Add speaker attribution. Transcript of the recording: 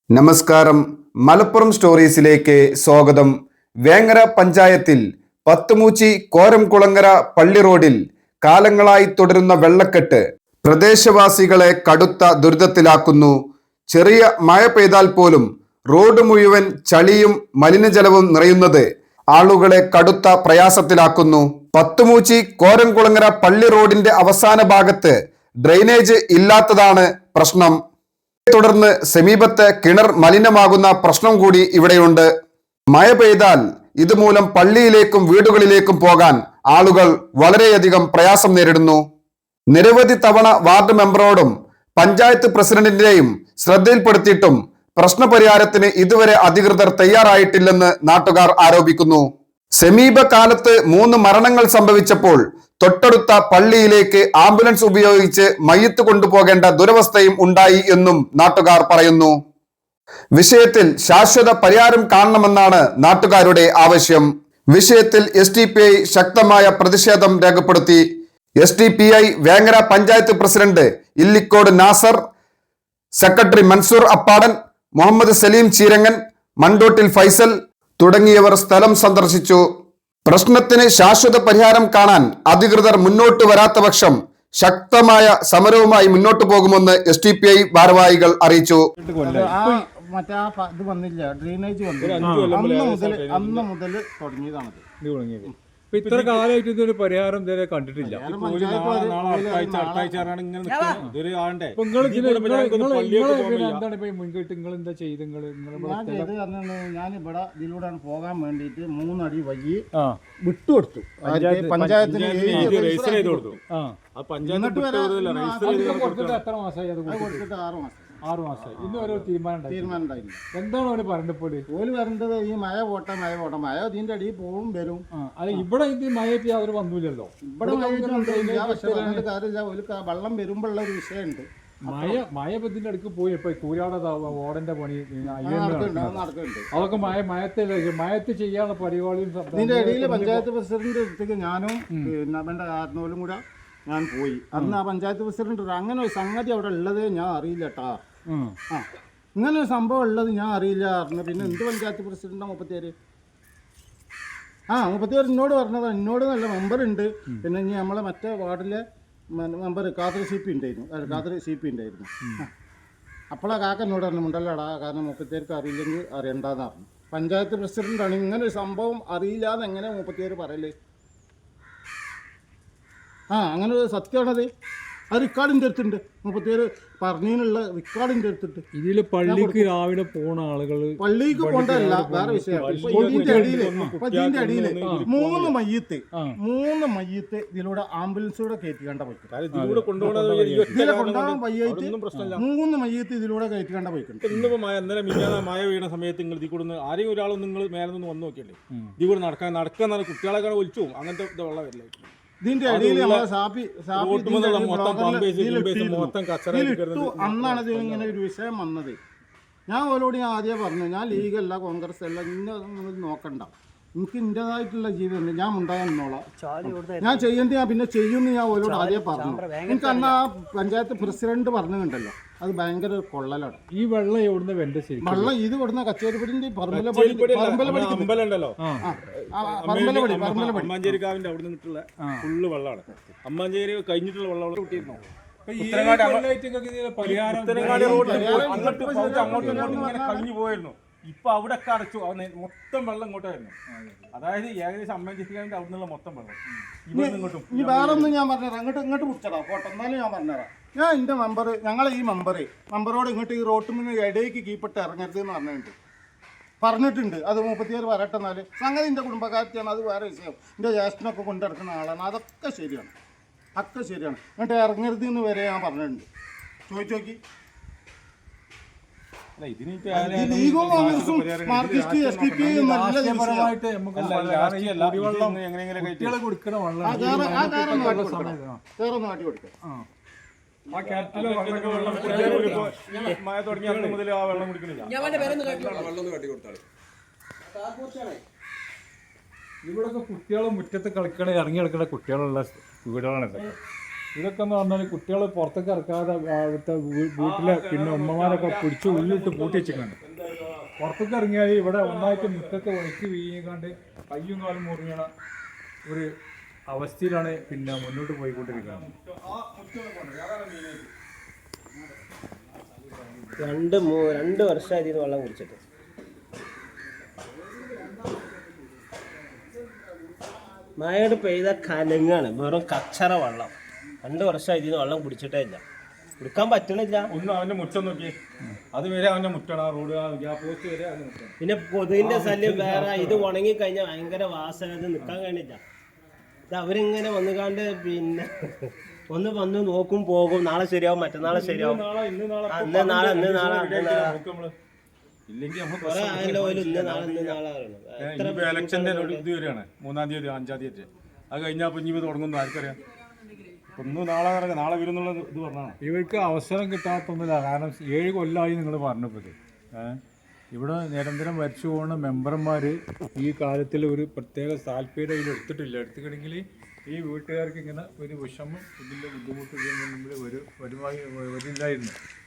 Speaker 1: നമസ്കാരം. മലപ്പുറം സ്റ്റോറീസിലേക്ക് സ്വാഗതം. വേങ്ങര പഞ്ചായത്തിൽ പത്തുമൂച്ചി കോരംകുളങ്ങര പള്ളി റോഡിൽ കാലങ്ങളായി തുടരുന്ന വെള്ളക്കെട്ട് പ്രദേശവാസികളെ കടുത്ത ദുരിതത്തിലാക്കുന്നു. ചെറിയ മഴ പെയ്താൽ പോലും റോഡ് മുഴുവൻ ചളിയും മലിനജലവും നിറയുന്നത് ആളുകളെ കടുത്ത പ്രയാസത്തിലാക്കുന്നു. പത്തുമൂച്ചി കോരംകുളങ്ങര പള്ളി റോഡിന്റെ അവസാന ഭാഗത്ത് ഡ്രെയിനേജ് ഇല്ലാത്തതാണ് പ്രശ്നം. തുടർന്ന് സമീപത്തെ കിണർ മലിനമാകുന്ന പ്രശ്നം കൂടി ഇവിടെയുണ്ട്. മഴ പെയ്താൽ ഇതുമൂലം പള്ളിയിലേക്കും വീടുകളിലേക്കും പോകാൻ ആളുകൾ വളരെയധികം പ്രയാസം നേരിടുന്നു. നിരവധി തവണ വാർഡ് മെമ്പറോടും പഞ്ചായത്ത് പ്രസിഡന്റിന്റെയും ശ്രദ്ധയിൽപ്പെടുത്തിയിട്ടും പ്രശ്നപരിഹാരത്തിന് ഇതുവരെ അധികൃതർ തയ്യാറായിട്ടില്ലെന്ന് നാട്ടുകാർ ആരോപിക്കുന്നു. സമീപകാലത്ത് 3 മരണങ്ങൾ സംഭവിച്ചപ്പോൾ തൊട്ടടുത്ത പള്ളിയിലേക്ക് ആംബുലൻസ് ഉപയോഗിച്ച് മയ്യത്ത് കൊണ്ടുപോകേണ്ട ദുരവസ്ഥയും ഉണ്ടായി എന്നും നാട്ടുകാർ പറയുന്നു. വിഷയത്തിൽ ശാശ്വത പരിഹാരം കാണണമെന്നാണ് നാട്ടുകാരുടെ ആവശ്യം. വിഷയത്തിൽ SDPI ശക്തമായ പ്രതിഷേധം രേഖപ്പെടുത്തി. SDPI Vengara panchayat president Illikkode Nasar, secretary Mansoor Appadan, Muhammad Saleem Cheerangan, Mandottil Faisal തുടങ്ങിയവർ സ്ഥലം സന്ദർശിച്ചു. പ്രശ്നത്തിന് ശാശ്വത പരിഹാരം കാണാൻ അധികൃതർ മുന്നോട്ട് വരാത്ത പക്ഷം ശക്തമായ സമരവുമായി മുന്നോട്ട് പോകുമെന്ന് SDPI ഭാരവാഹികൾ അറിയിച്ചു.
Speaker 2: ഡ്രെയിനേജ് അന്ന് മുതൽ തുടങ്ങിയതാണത്.
Speaker 3: ഇത്ര കാലമായിട്ട് ഇതൊരു പരിഹാരം ഇതുവരെ കണ്ടിട്ടില്ല.
Speaker 2: ഞാൻ ഇവിടെ ഇതിലൂടെയാണ് പോകാൻ വേണ്ടിട്ട് 3 അടി വഴി വിട്ടുകൊടുത്തു. പഞ്ചായത്തിന്
Speaker 3: എത്ര മാസമായി അത് കൊടുത്തിട്ട്? 6 മാസമായി. ഇന്ന് ഓരോ തീരുമാനം ഉണ്ടായില്ല. എന്താണ് അവര് പറഞ്ഞപ്പോൾ
Speaker 2: ഓല് പറഞ്ഞത് ഈ മഴ പോട്ടെ മഴ ഇതിന്റെ അടിയിൽ പോവും വരും.
Speaker 3: അല്ല, ഇവിടെ ഇത് മഴ അവർ വന്നില്ലല്ലോ.
Speaker 2: ഇവിടെ കാര്യമില്ല. ഒരു വെള്ളം വരുമ്പോഴുള്ള ഒരു വിഷയമുണ്ട്.
Speaker 3: മഴ ഇതിന്റെ അടുക്ക് പോയി ഇപ്പൊ കൂരാടെ ഓടന്റെ പണി
Speaker 2: നടക്കുന്നുണ്ട്.
Speaker 3: അതൊക്കെ മയത്ത് ചെയ്യാനുള്ള പരിപാടിയും.
Speaker 2: ഇതിന്റെ ഇടയിൽ പഞ്ചായത്ത് പ്രസിഡന്റ് അടുത്തേക്ക് ഞാനും പിന്നെ ആർനോലും കൂടെ ഞാൻ പോയി. അന്ന് ആ പഞ്ചായത്ത് പ്രസിഡന്റ് അങ്ങനെ ഒരു സംഗതി അവിടെ ഉള്ളത് ഞാൻ അറിയില്ല കേട്ടാ. ഇങ്ങനെ ഒരു സംഭവം ഉള്ളത് ഞാൻ അറിയില്ല പറഞ്ഞു. പിന്നെ എന്ത് പഞ്ചായത്ത് പ്രസിഡന്റാ 34? 34 എന്നോട് പറഞ്ഞതാണ്. എന്നോട് നല്ല മെമ്പർ ഉണ്ട്. പിന്നെ ഇനി നമ്മളെ മറ്റേ വാർഡിലെ മെമ്പർ കാതർ CP ഉണ്ടായിരുന്നു. അപ്പോഴാ കാക്ക എന്നോട് പറഞ്ഞു മുണ്ടല്ലടാ, കാരണം 34 അറിയില്ലെങ്കിൽ അറിയണ്ടെന്ന് പറഞ്ഞു. പഞ്ചായത്ത് പ്രസിഡന്റാണ്. ഇങ്ങനെ ഒരു സംഭവം അറിയില്ല എന്ന് എങ്ങനെ 34 പറയല്? അങ്ങനെ ഒരു സത്യമാണത്. അത് റെക്കോർഡിൻ്റെ അടുത്തുണ്ട്. 34 പറഞ്ഞതിനുള്ള റെക്കോർഡിൻ്റെ അടുത്തിട്ട്.
Speaker 3: ഇതിൽ പള്ളിക്ക് രാവിലെ പോണ ആളുകൾ
Speaker 2: പള്ളിക്ക് പോകണ്ടല്ല, വേറെ വിഷയമാണ്. ഇതിന്റെ അടിയിൽ 3 മയ്യത്ത് ഇതിലൂടെ ആംബുലൻസിലൂടെ കയറ്റിക്കേണ്ട പോയിട്ടുണ്ട്. ഇതിലെ കൊണ്ടുപോകാൻ വയ്യായിട്ട് 3 മയ്യത്ത് ഇതിലൂടെ കയറ്റിക്കേണ്ട പോയിട്ടുണ്ട്.
Speaker 4: ഇന്നിപ്പോ മഴ വീണ സമയത്ത് നിങ്ങൾ ഇതിൽ കൂടെ ആരെയും ഒരാളും നിങ്ങൾ മേലെ നിന്ന് വന്നു നോക്കിയല്ലേ? ഇതിൽ കൂടെ നടക്കാൻ കുട്ടികളെ ഒലിച്ചു പോകും. അങ്ങനത്തെ വെള്ളം വരില്ല.
Speaker 2: ഇതിന്റെ അടിയിൽ അന്നാണ് ഇത് ഇങ്ങനെ ഒരു വിഷയം വന്നത്. ഞാൻ ഓരോട് ആദ്യം പറഞ്ഞു, ഞാൻ ലീഗല്ല കോൺഗ്രസ് അല്ല, ഇന്ന നോക്കണ്ട, എനിക്ക് ഇന്റേതായിട്ടുള്ള ജീവിതമുണ്ട്, ഞാൻ ഉണ്ടാകാൻ നിന്നോളാം, ഞാൻ ചെയ്യേണ്ടി ഞാൻ പിന്നെ ചെയ്യുമെന്ന് ഞാൻ ഓരോട് ആദ്യം പറഞ്ഞു. എനിക്ക് അന്ന് ആ പഞ്ചായത്ത് പ്രസിഡന്റ് പറഞ്ഞിട്ടുണ്ടല്ലോ, അത് ഭയങ്കര കൊള്ളലാണ്.
Speaker 3: ഈ വെള്ളം എവിടുന്ന്
Speaker 2: വെള്ളം ഇത് കൊടുന്ന കച്ചേരിപ്പടിന്റെ
Speaker 4: അമ്മാഞ്ചേരിക്കാവിന്റെ അവിടെ നിന്നിട്ടുള്ള ഫുള്ള് വെള്ളമാണ്. അമ്മാഞ്ചേരി കഴിഞ്ഞിട്ടുള്ള വെള്ളം കിട്ടിയിരുന്നു. കഴിഞ്ഞു പോയിരുന്നു. ഇപ്പൊ അവിടെ ഒക്കെ അടച്ചു. മൊത്തം വെള്ളം ഇങ്ങോട്ടായിരുന്നു. അതായത് ഏകദേശം അമ്മാഞ്ചേരിക്കാവിന്റെ അവിടെ നിന്നുള്ള മൊത്തം വെള്ളം ഇങ്ങോട്ടും.
Speaker 2: ഇനി വേറെ ഒന്നും ഞാൻ പറഞ്ഞുതരാം. ഇങ്ങോട്ട് പിടിച്ചടാ പോട്ടെ, എന്നാലും ഞാൻ പറഞ്ഞുതരാം. ഞാൻ എൻ്റെ ഞങ്ങളെ ഈ മെമ്പറോട് ഇങ്ങോട്ട് ഈ റോട്ടിൽ നിന്ന് ഇടയ്ക്ക് കീപ്പിട്ട് ഇറങ്ങരുത് എന്ന് പറഞ്ഞിട്ടുണ്ട്. അത് 34 വരട്ടെ. എന്നാൽ സംഗതി എൻ്റെ കുടുംബക്കാരത്തിയാണ്, അത് വേറെ വിഷയം. എൻ്റെ ജ്യേഷ്ഠനൊക്കെ കൊണ്ടിറക്കുന്ന ആളാണ്. അതൊക്കെ ശരിയാണ്. ഇങ്ങോട്ട് ഇറങ്ങരുത് എന്ന് വരെ ഞാൻ പറഞ്ഞിട്ടുണ്ട്. ചോദിച്ചോക്കി.
Speaker 3: ഇവിടൊക്കെ കുട്ടികളെ മുറ്റത്ത് കളിക്കണ ഇറങ്ങി കളിക്കണ കുട്ടികളുള്ള വീടുകളാണ് ഇതൊക്കെ. ഇതൊക്കെ എന്ന് പറഞ്ഞാൽ കുട്ടികൾ പുറത്തേക്ക് ഇറക്കാതെ അവിടുത്തെ വീട്ടിലെ പിന്നെ ഉമ്മമാരൊക്കെ പിടിച്ച് ഉള്ളിട്ട് പൂട്ടി വെച്ചിട്ടുണ്ട്. പുറത്തേക്ക് ഇറങ്ങിയാൽ ഇവിടെ ഒന്നായിട്ട് മുറ്റത്ത് വഴിക്ക് വീങ്ങാണ്ട് കയ്യും കാലും മുറിയണ ഒരു അവസ്ഥയിലാണ് പിന്നെ മുന്നോട്ട് പോയിക്കൊണ്ടിരിക്കുന്നത്.
Speaker 5: രണ്ട് വർഷമായി ഇതിന് വെള്ളം കുടിച്ചിട്ട്. മഴയോട് പെയ്ത കലങ്ങാണ്, വെറും കച്ചറ വെള്ളം. 2 വർഷമായി ഇതിന് വെള്ളം കുടിച്ചിട്ടേ ഇല്ല, കുടിക്കാൻ പറ്റണില്ല.
Speaker 4: ഒന്ന് അവന്റെ മുറ്റം നോക്കി, അത് വരെ അവന്റെ മുറ്റാണ്, ആ റോഡ് പോസ്റ്റ് വരെ അവന്റെ മുറ്റാണ്.
Speaker 5: പിന്നെ കൊതുകിന്റെ ശല്യം വേറെ. ഇത് ഉണങ്ങി കഴിഞ്ഞാൽ ഭയങ്കര വാസന, ഇത് നിൽക്കാൻ കഴിയില്ല. ഇത് അവരിങ്ങനെ വന്നുകാണ്ട് പിന്നെ ഒന്ന് വന്ന് നോക്കും, പോകും, നാളെ ശരിയാവും, മറ്റന്നാളെ ശരിയാവും, ഇന്ന് നാളെ
Speaker 4: ഇല്ലെങ്കിൽ
Speaker 5: കുറെ ആയല്ലോ ഇന്ന് നാളെ
Speaker 4: ഇലക്ഷന്റെ ഇത് വരികയാണ് 3-ാം തീയതി 5-ാം തീയതി. അത് കഴിഞ്ഞാൽ ഇനി തുടങ്ങുന്നു ആർക്കറിയാം. ഒന്ന് നാളെ വരുന്നുള്ള ഇത് പറഞ്ഞാണ്.
Speaker 3: ഇവർക്ക് അവസരം കിട്ടാത്തൊന്നുമില്ല. കാരണം 7 കൊല്ലമായി നിങ്ങൾ പറഞ്ഞപ്പോൾ ഇവിടെ നിരന്തരം വരച്ചു പോകുന്ന മെമ്പർമാർ ഈ കാര്യത്തിൽ ഒരു പ്രത്യേക താല്പര്യം ഇതിൽ എടുത്തിട്ടില്ല. എടുത്തിട്ടുണ്ടെങ്കിൽ ഈ വീട്ടുകാർക്ക് ഇങ്ങനെ ഒരു വിഷമം, ഇതിൻ്റെ ബുദ്ധിമുട്ട് ഇതിന് മുമ്പിൽ വരില്ലായിരുന്നു.